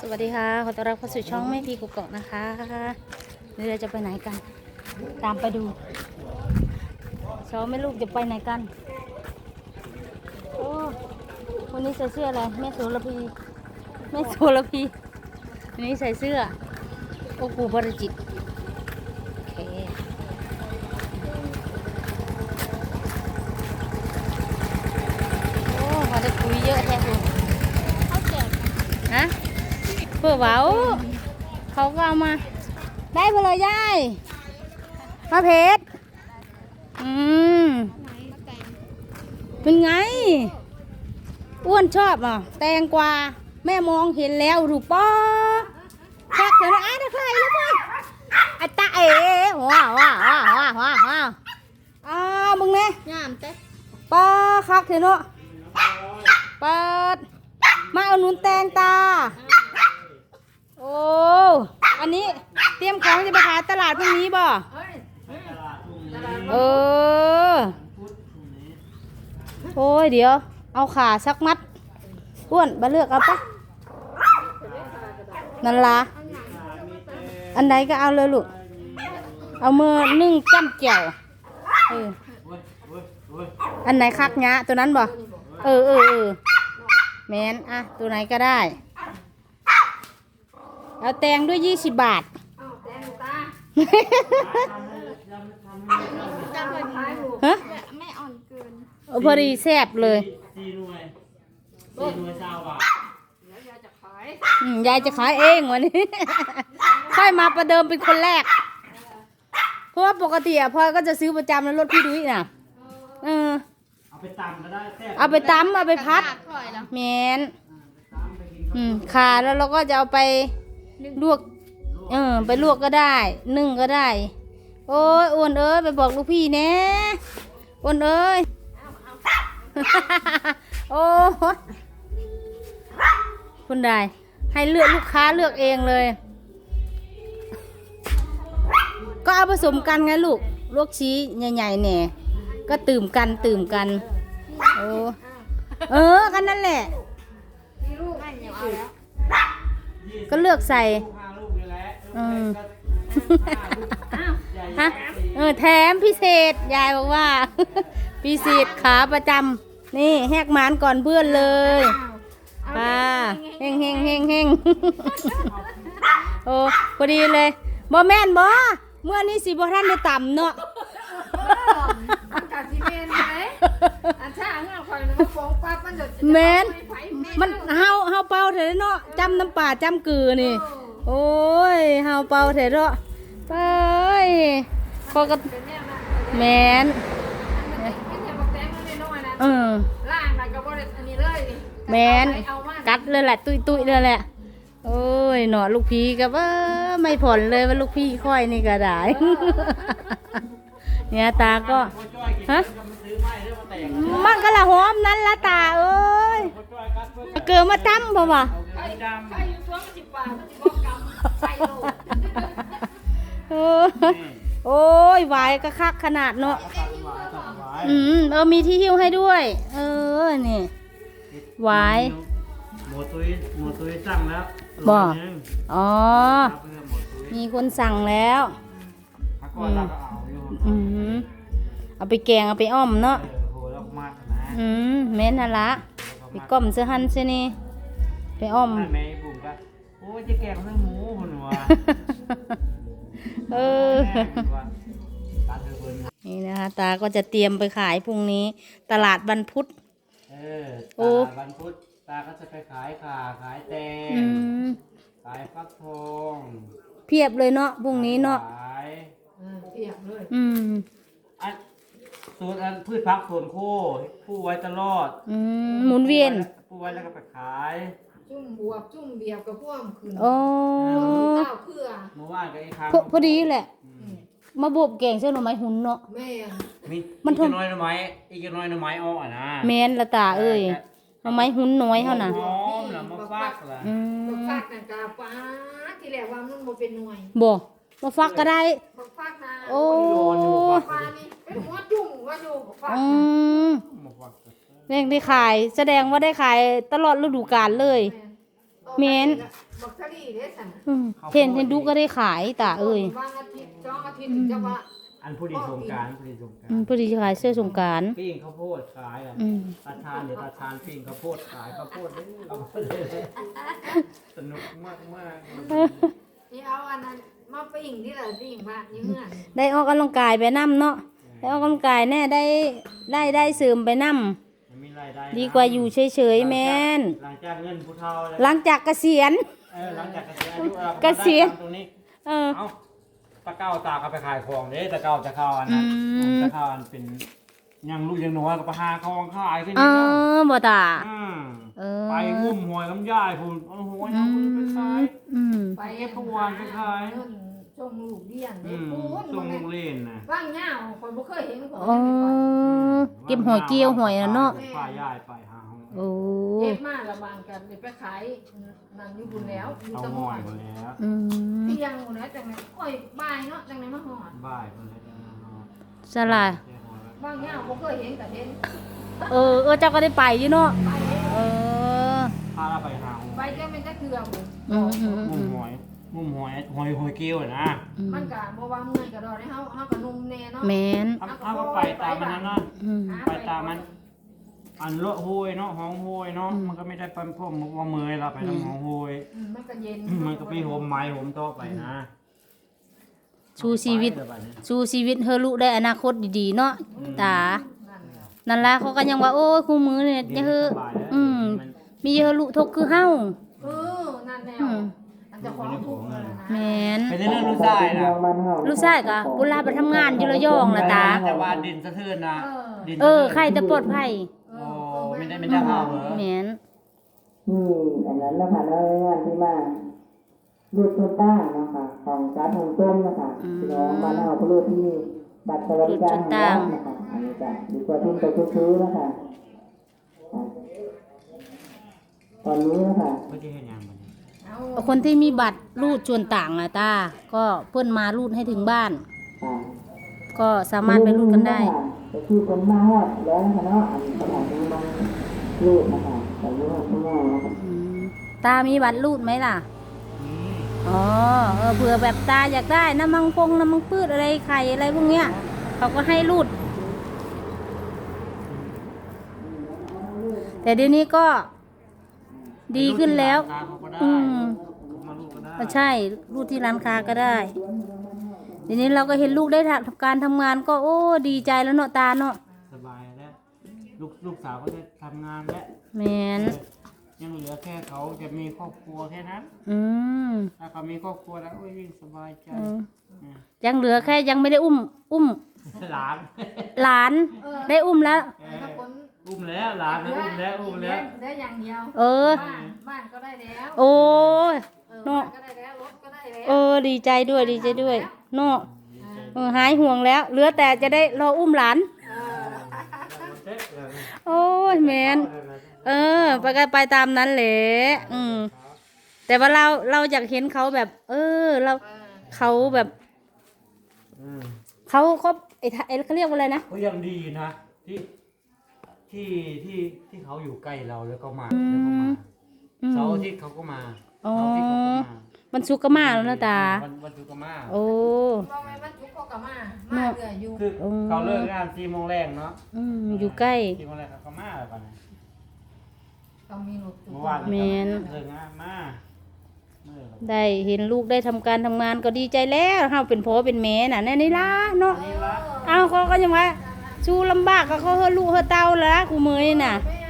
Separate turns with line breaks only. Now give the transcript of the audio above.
วัสดีค่ะขอต้อนรับเข้าสู่ช่องแม่พีกุกเกาะนะคะนี่เราจะไปไหนกันตามไปดูสองแม่ลูกจะไปไหนกันโอ้คนนี้ใส่เสื้ออะไรแม่โสระพีแม่โสระพีอันนี้ใส่เสื้อโอ้กูบริจิตโอเคโอ้พอได้คุยเยอะแท้คุณฮะเพื่อเว้าเขาก็เอามาได้เพลยยายมาเพชรเป็นไงอ้วนชอบอ่ะแตงกวาแม่มองเห็นแล้วรูปป้อแค่เดี๋ยวนะไอ้ได้ใครแล้วมั้งไอ้ตาเอ๋ว้าวมึงเนี่ยงามเต้ป้าคักเถอะเนาะเปิดมาเอาหนุนแตงตาโอ้อันนี้เตรียมของจะไปขายตลาดพรุ่งนี้บ่โอ้ยเดี๋ยวเอาขาสักมัดอ้วนมาเลือกเอาปะนั่นละอันใดก็เอาเลยลูกเอามือนึ่งจ้ำแจ่วอันไหนคักงะตัวนั้นบ่แมนอ่ะตัวไหนก็ได้เอาแตงด้วย20 บาทฮะไม่อ่อนเกินพอดีแซ่บเลย4 หน่วย20 บาทยายจะขายเองวันนี้ค่อยมาประเดิมเป็นคนแรกเพราะว่าปกติพ่อก็จะซื้อประจำแล้วรถพี่ดุ้ยน่ะเอาไปตำก็ได้เอาไปตำเอาไปพัดแมนขาแล้วเราก็จะเอาไปลวกไปลวกก็ได้นึ่งก็ได้โอ้ยอ้วนเอ้ยไปบอกลูกพี่แน่อ้วนเอ้ยโอ้คุณได้ให้เลือกลูกค้าเลือกเองเลยก็เอาผสมกันไงลูกลวกชี้ใหญ่ๆแหน่ก็ตื่มกันโอ้กันนั่นแหละก็เลือกใส่ฮะแถมพิเศษยายบอกว่าพิเศษขาประจำนี่แหกหมานก่อนเพื่อนเลยป้าเฮงโอ้พอดีเลยบ่แม่นบ่เมื่อนี้สิบ่ท่านได้ต่ำเนาะแม่นมันเฮาเป่าเถอะเนาะจำน้ำป่าจำกือนี่โอ้ยเฮาเป่าเถอะเนาะไปพอก็แม่นแม่นกัดเลยแหละตุยเลยแหละโอ้ยหนอลูกพี่ก็ว่าไม่ผ่อนเลยว่าลูกพี่ค่อยนี่ก็ได้เนี่ยตาก็ฮะมันก็ละหอมนั้นละตาเอ้ยเกิดมาตั้มบ่วะโอ้ยไหวก็คักขนาดเนาะมีที่หิ้วให้ด้วยนี่ไหว
หมูตุ้ยสั่งแล้ว
บ่อ๋อมีคนสั่งแล้วเอาไปแกงเอาไปอ้อมเนาะแม่นน่ะละไปก้มเสื้อหันเสื้อนี่ไปอ้อม
แม่บุ๋มก็โอ้ยจะแกงเนื้อหมูคนหัว
นี่นะคะตาก็จะเตรียมไปขายพรุ่งนี้ตลาดวันพุธ
ตลาดวันพุธตาก็จะไปขายขาขายแตงขายฟักทอง
เพียบเลยเนาะพรุ่งนี้เนาะ
เพียบเลย
ส่วนพืชผักสวนโคผู้ไว้ตลอด
หมุนเวียน
ผู้ไว้แล้วก็ไปขาย
จุ่มบวบจุ่มเบียบกับพ่วงคืน
โอ้
ข้าวเพื่อ
เมื่อวานก็ไอ้ครั้ง
พอดีแหละมาบวบแกงเส้นหน่อไม้หุ่นเนาะ
แม่
มันอีกน้อยหน่อไม้อ้อนะ
แม่นละตาเอ้ยหน่อไม้หุ่นน้อยเท่าน่ะ
หอมแล้วมาฟักล่ะ
มาฟักนั่นกาฟ้าที่แรกว่ามันบ่เป็นหน่วย
บ่มาฟักก็ได้
มาฟักนะ
โอ้
ฟ้านี่เป็นหัวจุ่มว่าอยู่ฟัก
ได้ขายแสดงว่าได้ขายตลอดฤดูกาลเลยเมน
บักซารี่เด้สั่น
เห็นดูก็ได้ขายตาเอ้ย
บางอาทิตย์สองอาทิตย์จะว่า
อันผู้ดีสงกรารผู้ดีสงกราร
พอดีขายเสื้อสงกรานต์
ปิ้งข้าวโพดขายอ่ะตาชานเดี๋ยวตาชานปิ้งข้าวโพดขายข้าวโพดนี่เราเลยสนุกมากมาก
นี่เอาอันนั้นมาปิ้งที่ละปิ้งบ้านอยู่เฮือน
ได้ออกกำลังกายไปนํเนาะได้ออกกำลังกายแน่ได้เสริมไปนํ
มีรายได้
ดีกว่าอยู่เฉยๆแม่น
หลังจากเงินผู้เฒ่า
หลังจากเกษียณ
หลังจากเกษียณอายุเรา
เกษียณ
ตรงนี้
เออ
เอ้าตะเก้าตาก็ไปขายของเด้ตะเก้าจะเข้าอันนั้น
อืม
จะเข้าอันเป็นยังลูกยังน้อยก็ไปหาของขายขึ้น
เอ
นี่เนาะ
บ่ตา
ม
เออ
ไปงุ่มหวยลำไยพุ่นเอาหวยเอาไปขาย
อืม
ไป
เก็บทุกวันไปขาย
เงินส่งลูกเรียน
อื
เด้
ม
ปูน
ส่งลูกเล่นนะ
ว่างเหงาคนบ่เคยเห็นคน
อ๋อเก็บหอยเกี้ยวหอยน่ะเนาะ
ป้ายายไปหาหอย
โอ้
เก็บมาละบางกันไปขายนั่นอยู่บุญแล้วอยู่
เอา
ตะ
ห
ม
อ
อย น
หมดแล้ว
อืม
เที่ยงหมดแล้วจังได๋โอ้ยบ่ายเนาะจังได๋มาฮอด
บ่ายหมดแล้วจะมาหอย
สลาย
แค่หอยแล้ว
ว่างเหงาบ่เคยเห็นแต่เห็น
เจ้าก็ได้ไปอยู่เนาะ
ไปเด้อ
เออ
พาเราไปหาหอย
ไปแค่เป็นจักเทื่อบ่
อืมอืม
งุ่มหอยงุ่มหอยหอยเกี้ยวอะนะ
มันก็บ่ว่าเมื่อยก็ดอกให้เฮาก็นุ่มแน่เนาะ
แมน
เอาก็ไปตามมันนั่นนะ
อืม
ไปตามมัน อันเลอะโหยเนาะห้องโหยเนาะมันก็ไม่ได้เป็นพวกมุกว่าเมยเราไปทำห้องโหย
มันก็เย็น
มันก็ไปโหมไม้โหมโต๊ะไปนะ
ชูชีวิต
ไปเดี๋ยบัดนี้
ชูชีวิตเฮอลูกได้อนาคตดีๆเนาะตา
นั่นแหละ
นั่นล่ะเขาก็ยังว่าโอ้ยคู่มือเนี่ยจะเฮอ
สบายแล้ว มัน
มีเฮอลูกทกคือเฮา
นั่นแนวอันจะของทุกข์นั่นน่ะ
แม
นะ
น
เป็นเรื่องลูกชายนะ
ลูกชายก็บุญลาไปทำงานอยู่ระยองล่ะตา
แต่ว่าดินสะเทือนนะดิน
ใครจะปลอดภัย
โอ้ไม่ได้เข้าเหรอ
แมน
อันนั้นนะคะในงานที่มารูดตัวต้านะคะของการทำต้มนะคะพี่น้องมาเอาพลูที่บัตรสวัสดิการแห่งรัฐนะคะอันนี้จะดีกว่าที่ไปซื้อๆนะคะตอนนี้นะคะ
ไม่ได้เห็นยังบัดนี้
เอา
คนที่มีบัตรรูดส่วนต่างอะตา ก็เพื่อนมารูดให้ถึงบ้าน ก็สามารถไปรูดกันได้
จะคือคนมาฮอดแล้วนะคะเนาะอันนี้สถานที่มารูดนะคะแต่รูดข้างนอกนะคะ
ตามีบัตรรูดไหมล่ะ อ๋อเผื่อแบบตาอยากได้น้ำมังพืชอะไรไข่อะไรพวกเนี้ย เขาก็ให้รูด แต่เดี๋ยวนี้ก็ดีขึ้นแล้ว อืม
มาลูกก็ได้
ก็ใช่รูดที่ร้านค้าก็ได้ เดี๋ยวนี้เราก็เห็นลูกได้ทำการทำงานก็โอ้ดีใจแล้วเนาะตาเนาะ
สบายแล้วลูกสาวก็ได้ทำงานแล้ว
แมน
ยังเหลือแค่เขาจะมีครอบครัวแค่นั้น
อืม
ถ้าเขามีครอบครัวแล้วโอ้ยยิ่งสบายใจ
ยังเหลือแค่ยังไม่ได้อุ้ม
หลาน
หลานได้อุ้มแล้ว
ถ้าคน
อุ้มแล้วหลานอุ้มแล้ว
ได้อย่างเดียว บ้านก็ได้แล้ว
โอ้ย
บ้านก็ได้แล้วรถก็ได้แล้ว
ดีใจด้วยเนาะหายห่วงแล้ว เหลือแต่จะได้รออุ้มหลาน โอ้ยแมนไปก็ไปตามนั้นแหละแต่ว่าเราอยากเห็นเขาแบบ เขาแบบเขาไอ้เขาเรียกว่าอะไรนะ
ก็ยังดีนะที่เขาอยู่ใกล้เราแล้วก็มาเสาร์อาทิตย์เขาก็มา
อ๋อ
เสาร์อาทิตย์เขาก็มา
มันสุกก็มาแล้วนะตา
วันศุกร์ก็มา
โอ้
บอกไหมมันจุกก็มาเรื่อยอยู่
คือเขาเลิกงาน4 โมงแรกเนาะ
อยู่ใกล้
4 โมงแรกเขาก็มาแล้วกัน
ต้องมีรถจุก
เมื่อวาน
แม่น
เลิกงานมาเมื่อ
ได้เห็นลูกได้ทำการทำงานก็ดีใจแล้วเฮาเป็นพ่อเป็นแม่น่ะแน่นี่ล่ะเนาะ
นี่ละ
เอาเขาก็ยังว่าสู้ลำบากก็เขาเฮาลูกเฮาเต้าแล้วกูเมยน่ะ
แม่